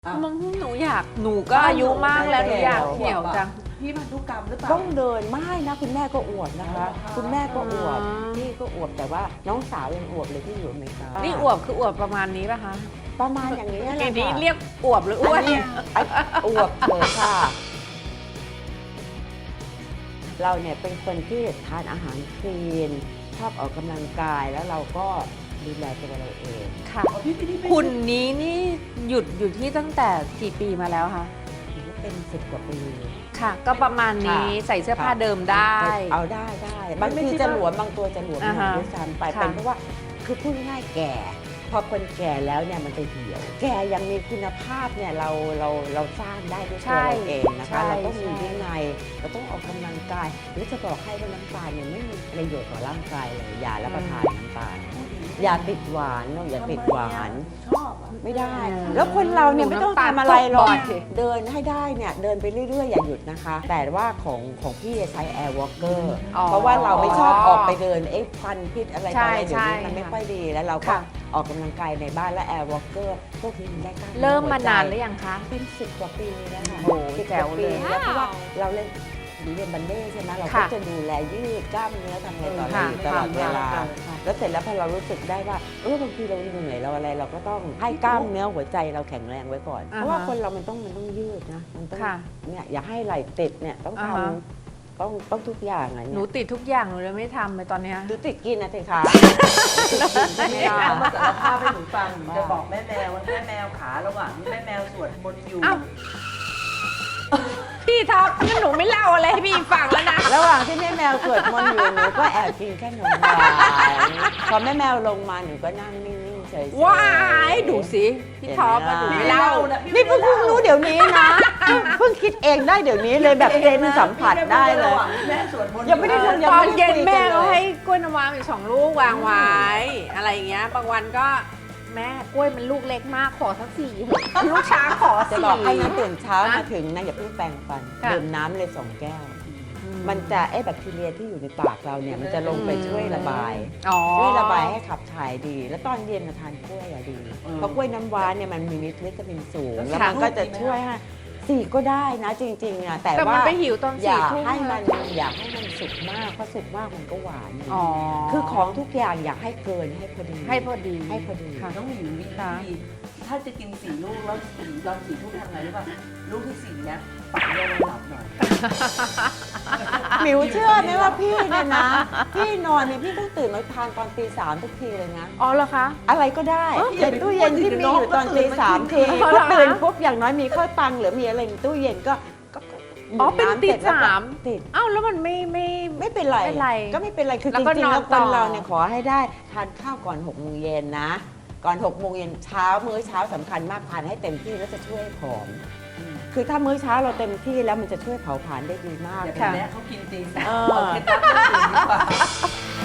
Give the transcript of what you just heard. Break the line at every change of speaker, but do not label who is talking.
มันหนูอยากหนูก็อายุมากแล้วหนูอยากเหี่ยวจัง
พี่พันธุกรรมหรือเปล่า
ต้องเดินไม่นะคุณแม่ก็อวบนะคะ
อ๋อ
คุณแม่ก็อวบ
อ๋อ
พี่ก็อวบแต่ว่าน้องสาวยังอวบเลยที่อยู่อเมริกา
นี่อวบคืออวบประมาณนี้ป่ะคะ
ประมาณอย่างนี้แหละ
อย่างนี้
ค่ะ
เรียกอวบหรืออ้วน
อันนี้อวบเถอะค่ะ เราเนี่ยเป็นคนที่ทานอาหารคลีนชอบออกกำลังกายแล้วเราก็ดูแลตัวเราเอง
ค่ะ
อ๋อพี่ไม่ได้ไป
คุณนี้นี่หยุดอยู่ที่ตั้งแต่กี่ปีมาแล้วคะ
ถือว่าเป็น10 กว่าปี
ค่ะ ก็ประมาณนี้
ค่ะ
ใส่เสื้อผ้าเดิมได้
เอาได้บางทีจะหลวมบางตัวจะหลวมหน่
อ่า
อย
ฮะ
ด้วยซ้ำไป
ค่ะ
เป็นเพราะว่าคือพูดง่ายๆแก่ พอคนแก่แล้วเนี่ยมันจะเหี่ยว แก่ยังมีคุณภาพเนี่ยเราสร้างได้ด้วยตัวเราเองนะคะ เราต้องมีวินัยเราต้องออกกำลังกายหรือจะบอกให้ว่าน้ำตาลเนี่ยไม่มีประโยชน์ต่อร่างกายเลยอย่ารับประทานน้ำตาลอย่าติดหวานเนอะอย่าติดหวาน
ชอบอะ
ไม่ได้ แล้วคนเราเนี่ยไม่ต้องทำอะไรหรอก
น้ำตาลตกบ่อย
เดินให้ได้เนี่ยเดินไปเรื่อยๆ อย่าหยุดนะคะ แต่ว่าของพี่ใช้ Air Walker
อ๋อ
เพราะว่าเราไม่ชอบออกไปเดินควันพิษอะไร
ใช่
ต่ออะไรเดี๋ยวนี้
ใช่
มันไม่ค่อยดีแล้วเราก็
ค่ะ
ออกกำลังกายในบ้านและ Air Walker พวกนี้มันได้กล้ามนื้อ
เริ่มมา
หัวใจ
นานหรือยังคะ
เป็น10 กว่าปีแล้วค่ะ
โอ้โห
10
แจ๋วเลย
แล้วเพราะว่าเราเล่นบัลเล่ต์ใช่ไหมเราก็
ค่ะ
จะดูแลยืดกล้ามเนื้อทำอะไรต่ออะไร
ค่ะ
อยู่ตลอดเวลา
ค่ะ
แล้วเสร็จแล้วพอเรารู้สึกได้ว่าบางทีเราเหนื่อยเราอะไรเราก็ต้องให้กล้ามเนื้อหัวใจเราแข็งแรงไว้ก่อน
อ่าฮะ
เพราะว่าคนเรามันต้องยืดนะมันต้อง
ค่ะ
เนี่ยอย่าให้ไหล่ติดเนี่ยต้อง
อ่า
ท
ฮะ
ำต้องทุกอย่างอ่ะ
ห
เนี่
นู
ย
ติดทุกอย่างหนูเลยไม่ทำเลยตอนเนี้ย
ดูติดกินนะสิคะ
นี่เอามาสารภาพให้หนูฟังหนูจะบอกแม่แมวว่าแม่แมวขาระหว่างที่แม่แมวสวดมนต์อยู่
อ้าว พี่ท็อปงั้นหนูไม่เล่าอะไรให้พี่ฟังแล้วนะ
ระหว่างที่แม่แมวสวดมนต์อยู่หนูก็แอบกินขนมหวานพอแม่แมวลงมาหนูก็นั่งนิ่งๆเฉยๆ
ว้ายดูสิพี่ท็อปอะหนูไม่เล่า
นี่เพิ่งรู้เดี๋ยวนี้นะเพิ่งคิดเองได้เดี๋ยวนี้เลยแบบเซนสัมผัสได้เลย
ระหว่างที่แม่สวดมนต์
ยังไม่ได้ทำ
ตอนเย็นแม่ก็ให้กล้วยน้ำว้าอีก2 ลูกวางไว้ อะไรอย่างเงี้ย บางวันก็แม่กล้วยมันลูกเล็กมากขอสัก4ลูกช้างขอ
จะ
4
บอกให้นะตื่นเช้า
นะ
มาถึงนะอย่าเพิ่งแปรงฟัน
ค่ะ
ดื่มน้ำเลย2 แก้ว มันจะแบคทีเรียที่อยู่ในปากเราเนี่ยมันจะลงไปช่วยระบาย
อ๋อ
ช่วยระบายให้ขับถ่ายดี แล้วตอนเย็นมาทานกล้วยอะดีเพราะกล้วยน้ำว้าเนี่ยมันมีวิตามินสูง แล้วมันก็จะช่วยให้สี่ก็ได้นะจริงๆอะแต่
แต่มั
ว่าน
ไปหิวตอน
อย่า
4 ทุ่ม
ให้มันสุกมากเพราะสุกมากมันก็หวานอยู่
อ๋อ
คือของทุกอย่างอยากให้เกินให้พอดี
ให้พอดี
ให้พอดี
ค่ะ
น้องหมิวมี
ค่ะ
วิธีถ้าจะกิน4 ลูกแล้วตอน4 ทุ่มทำไงรู้ป่ะลูกที่4เนี่ยปักยานอนหลับหน่อย
หมิวเชื่อไหมว่าพี่เนี่ยนะ พี่นอนเนี่ยพี่ต้องตื่นมาทานตอนตี 3ทุกทีเลยนะ
อ๋อเหรอคะ
อะไรก็ได้
เอ้ย
ในตู้เย็นที่มีอยู่ตอนตี 3 ที
อ๋อ
พ
เหร
อ
อคะ
ตื่นปุ๊บอย่างน้อยมีข้าวตังหรือมีอะไรในตู้เย็นก็
อ๋อเป็น
ำ
ตี
สร็จแล้วก็
3
ติด
เอ้าแล้วมันไม่
ไม่เป็นไร
ไม่เป็นไร
ก็ไม่เป็นไรคือ
แล้ว
จ
ก็
ริงๆแล้ว
น
ค
อนต่อ
นเราเนี่ยขอให้ได้ทานข้าวก่อน6 โมงเย็นนะ ก่อน6 โมงเย็นเช้ามื้อเช้าสำคัญมากทานให้เต็มที่แล้วจะช่วยให้ผอม คือถ้ามื้อเช้าเราเต็มที่แล้วมันจะช่วยเผาผลาญได้ดีมาก
อย่าไป
ค่ะ
แนะเขากินตี 3
เออ
เอาเคล็ดลับเรื่องอื่นดีกว่า